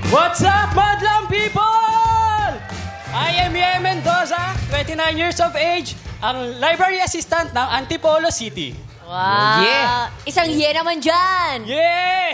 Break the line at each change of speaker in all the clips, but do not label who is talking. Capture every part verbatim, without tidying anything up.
What's up, madlang people? I am Ye Mendoza, twenty-nine years of age, ang library assistant ng Antipolo City.
Wow.
Yeah.
Isang ye naman dyan.
Yeah!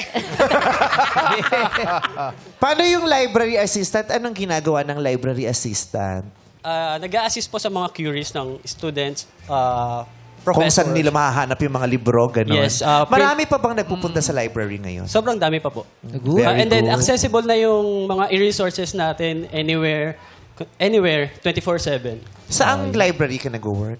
Paano yung library assistant? Anong ginagawa ng library assistant?
Uh, nag-a-assist po sa mga queries ng students, uh,
Kung
professors.
saan nila mahahanap yung mga libro, gano'n.
Yes, uh, print-
Marami pa bang nagpupunta sa library ngayon?
Sobrang dami pa po.
Good.
Uh, and then
good.
accessible na yung mga e-resources natin anywhere, anywhere, twenty-four seven.
Saang library ka nag-work?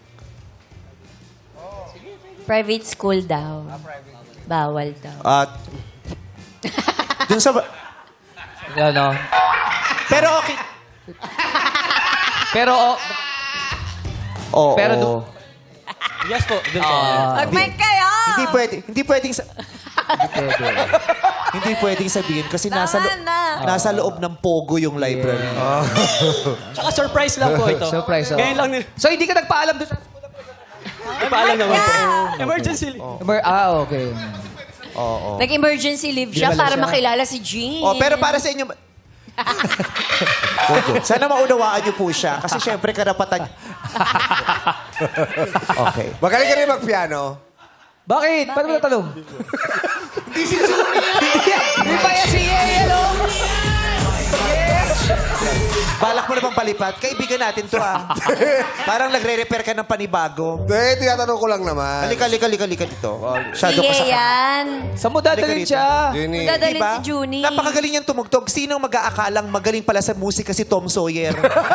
Private school daw. Bawal daw.
At... dun sa... ba-
Ano?
Pero okay.
Pero, oh,
Oo.
Pero do-
Yes po, dun po.
Mag-mic kayo!
Hindi pwede. Hindi pwedeng sa... hindi pwedeng sabihin kasi nasa, lo-
Tama na.
nasa loob ng Pogo yung library.
Tsaka surprise lang po ito.
Surprise, oh.
Ngayon lang nila.
so hindi ka nagpaalam doon sa...
Ay, paalam naman po. Emergency.
Emer- Ah, okay.
Oo.
Nag-emergency leave siya
Dinala
para
siya.
makilala si Jean.
Oh, pero para sa inyo... Pogo. Sana maunawaan niyo po siya kasi syempre karapatan... okay.
Magaling ka rin mag-piano.
Bakit? Paano mo natanong? Hindi pa yan si Ye, ano?
Balak mo na bang palipat? Kaibigan natin to ah. Parang nagre-repair ka ng panibago.
Eh, tinatanong ko lang naman.
Halika, halika, halika, halika dito.
Si
Shadow ka sa...
Ye yan.
Saan mo dadalhin
Halika
siya?
Jenny.
Dadalhin
Diba?
si Junie.
Napakagaling niyang tumugtog. Sinong mag-aakalang magaling pala sa musika si Tom Sawyer?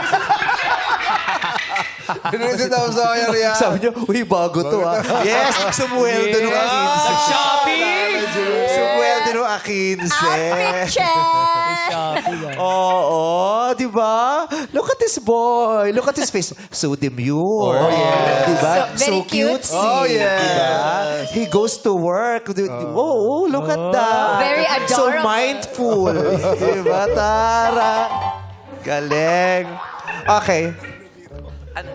Pinunod daw sa kaya riyan.
Sabi niyo, uy, bago to ah. Yes, sumweldo nung akinse.
Shopping!
Sumweldo nung akinse.
Outfit check!
Oo, di ba? Look at this boy. Look at his face. So demure. Oh, yeah. Di ba?
So- very
cutesy.
Oh, yes.
Diba? He goes to work. Di- di- Oh, look at that.
Very
So
adorable.
mindful. Di ba, Tara? Galing. Okay. Ano?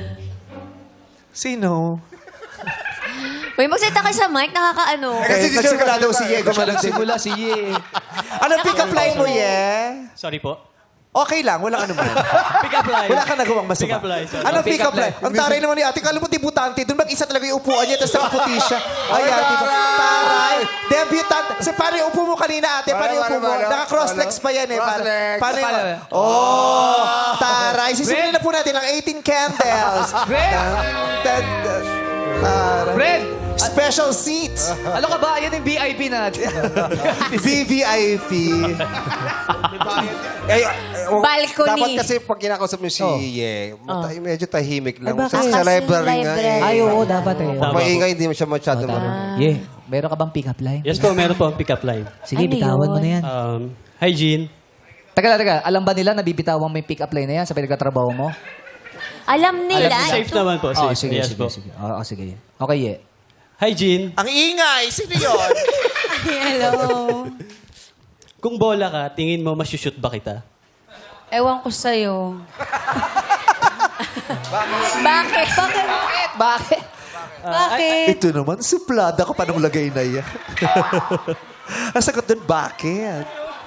Sino?
Uy, magsalita ka sa mic, nakakaano.
Okay,
Kasi si
nagsimula
Sir
daw si Diego.
Simula si Ye.
Anong pick-up line mo, Ye?
Sorry po.
Okay lang, walang ano man.
Pick up line.
Wala ka nagawang masama.
Pick up line, sorry.
Anong
Pick
pick up
up
line?
line.
Ang taray naman ni ate. Kala mo debutante. Doon mag-isa talaga yung upuan niya, tapos nakaputi siya. Ayan, di ba? Taray! Debutante. So, paano yung upo mo kanina, ate? Paano yung upo
Paano,
mo?
paano?
Naka-cross-legs pa yan eh. Paano,
Cross-legs.
paano yung...
Paano?
Oh! Taray! Sisimulan na po natin ang eighteen candles.
Fred!
Taray.
Fred!
Special seats.
Ano ka ba? Yan yung V I P natin.
V V I P.
Eh, oh,
Balcony.
Dapat kasi pag kinakausap mo si Ye, mata- medyo tahimik lang.
Ay, bakit?
Sa, sa
Kasi
library nga
library.
eh.
Ay, oo, dapat eh.
Tama.
Maingay, hindi mo siya masyado
Oh,
marunong.
tama. Ye, meron ka bang pick-up line?
Yes po, meron po ang pick up line.
Sige,
Ano
bitawan
yun?
mo na yan.
Um, hi, Jean.
Teka lang, teka. Alam ba nila na bibitawan mo yung pick-up line na yan sa pinagkatrabaho mo?
Alam nila.
Safe naman po.
Oo,
Safe.
sige,
yes
sige,
po.
sige. Oo, sige. Okay, Ye.
Hi, Jean.
Ang ingay. Sino yun?
Hello.
Kung bola ka, tingin mo masushoot ba kita?
Ewan ko sa'yo. Bakit? Bakit?
Bakit?
Bakit?
Ito naman, suplada ka pa ng lagay na yan. Ang sagot doon, bakit?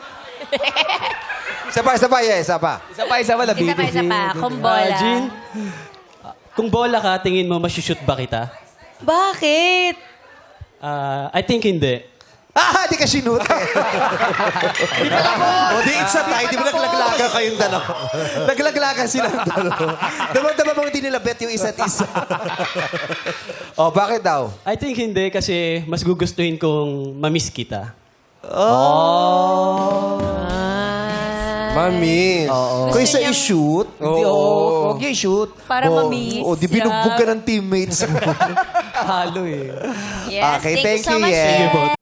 Isa pa, isa pa, Ye, isa pa.
Isa pa, isa pa.
Isa pa, isa pa. Kung
Ah,
bola.
Jean, ah, kung bola ka, tingin mo masushoot ba kita?
Bakit?
Ah, I think hindi.
Ah, di ka sinute. O, di it's a tie. Di ba naglaglaga kayong dalawa? Naglaglaga silang dalawa. Damang-damang mong hindi nila bet yung isa't isa.
Oh, bakit daw?
I think hindi kasi mas gugustuhin kong mamiss kita.
Mami.
Kung isa i-shoot,
Hindi, oo. Huwag yung shoot.
Para
o,
mamiss.
o, di binugbog ka ng teammates mo.
Halo eh.
Yes,
Okay,
thank,
thank
you so
you,
much,
Ye.
Ye.